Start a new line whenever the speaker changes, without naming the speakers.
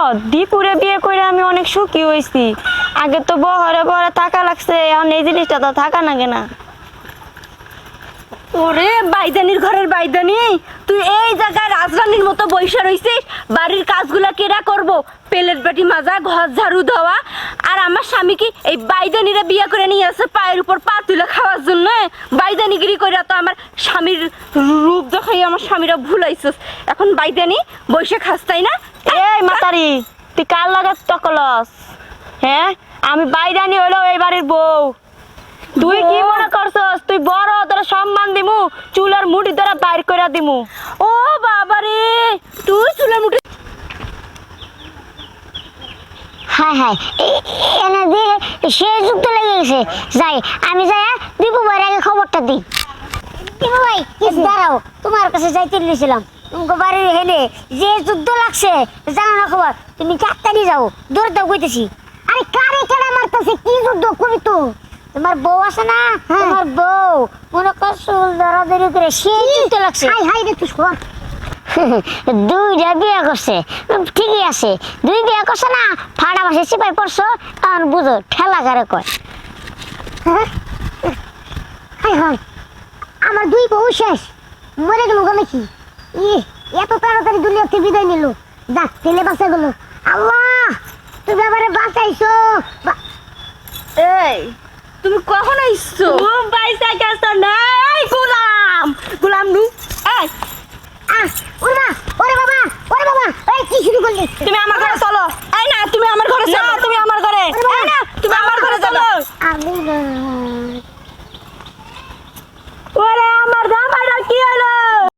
দীপুরে বিয়ে করে আমি অনেক সুখী হয়েছি। আগে তো বহরে বহরে থাকা লাগছে, এখন এই জিনিসটা তো থাকা লাগে না।
ওরে বাইদানির ঘরের বাইদানি, তুই এই জায়গায় রাজরানীর মতো বইসা রইছিস। বাড়ির কাজগুলা কেরা করব? পেলেট বাটি মাজা, ঘর ঝাড়ু দেওয়া। আর আমার স্বামী কি এই বাইদানিরা বিয়ে করে নিয়ে আসে পায়ের উপর পা তুলে খাওয়ার জন্য? বাইদানিগিরি করে তো আমার স্বামীর রূপ দেখাই আমার স্বামীরা ভুলাইছিস। এখন বাইদানি বইসা খাস, তাই না?
এই মাতারি, তুই কার লাগা তকলস? হ্যাঁ, আমি বাইরানি হইলো এই বাড়ির বউ। তুই কি মনে করছস তুই বড়, তোর সম্মান দিমু, চুলের মুঠি ধরে বাইর করে দিমু?
ও বাবা রে, তুই চুলের মুঠি।
হ্যাঁ হ্যাঁ, এনে দিয়ে সে যুক্ত লেগে গেছে। যাই, আমি যাই দীপু ভাইয়ের আগে খবরটা দিই। দীপু ভাই, দাঁড়াও, তোমার কাছে যাইতে নিয়েছিলাম। তোমাকে বাড়ির হেলে যে যুদ্ধ লাগছে জানো না খবর? তুমি চারটানি যাও, দৌড় দাও কইতেছি। আরে কারে কেনা মারতেছে, কি যুদ্ধ করি তো? তোমার বউ আছে না, তোমার বউ মনে কর চুল ধরাধরি করে সে যুদ্ধ লাগছে। হাই হাই রে, তুই শোন। দুইটা বিয়ে করছে, ঠিকই আছে। দুই বিয়ে করছে না, ফাড়া মাসে চিপাই পড়ছো, তখন বুঝো ঠেলা গারে কয়। হাই হাই, আমার দুই বউ শেষ, মরে গেল গেলে কি? এত তাড়াতাড়ি দুনিয়াতে বিদায় নিল। যাক, ছেলে বাঁচা গেল। আল্লাহ, তুমি আবার বাঁচাইছো।
এই তুমি কখন আইছো?
পয়সা কেছ নাই গোলাম, গোলাম নু। এই
ওরে বাবা, ওরে বাবা, এই কি শুরু করলি?
তুমি আমার ঘরে চলো।
এই না, তুমি আমার ঘরে
না,
চলো।
তুমি আমার ঘরে।
এই না, তুমি আমার ঘরে চলো।
আমি